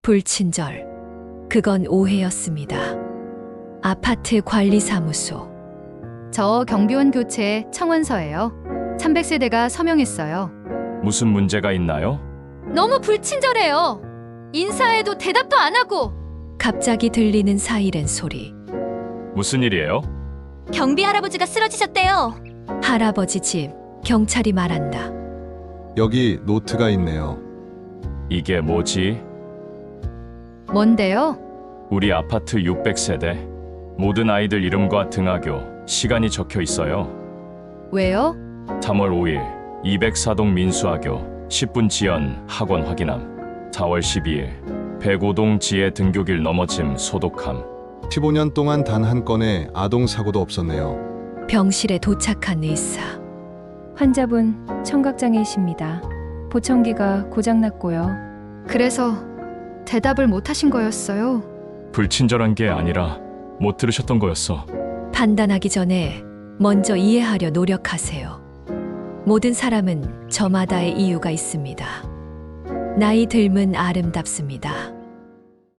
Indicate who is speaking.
Speaker 1: 불친절. 그건 오해였습니다. 아파트 관리사무소.
Speaker 2: 저 경비원 교체 청원서예요. 300세대가 서명했어요.
Speaker 3: 무슨 문제가 있나요?
Speaker 2: 너무 불친절해요. 인사해도 대답도 안 하고.
Speaker 1: 갑자기 들리는 사이렌 소리.
Speaker 3: 무슨 일이에요?
Speaker 2: 경비 할아버지가 쓰러지셨대요.
Speaker 1: 할아버지 집. 경찰이 말한다.
Speaker 4: 여기 노트가 있네요.
Speaker 3: 이게 뭐지?
Speaker 2: 뭔데요?
Speaker 3: 우리 아파트 600세대. 모든 아이들 이름과 등하교, 시간이 적혀 있어요.
Speaker 2: 왜요?
Speaker 3: 3월 5일 204동 민수학교 10분 지연 학원 확인함. 4월 12일 105동 지혜 등교길 넘어짐 소독함.
Speaker 4: 15년 동안 단 한 건의 아동 사고도 없었네요.
Speaker 1: 병실에 도착한 의사.
Speaker 5: 환자분 청각장애이십니다. 보청기가 고장났고요.
Speaker 2: 그래서 대답을 못 하신 거였어요.
Speaker 3: 불친절한 게 아니라 못 들으셨던 거였어.
Speaker 1: 판단하기 전에 먼저 이해하려 노력하세요. 모든 사람은 저마다의 이유가 있습니다. 나이 들면 아름답습니다.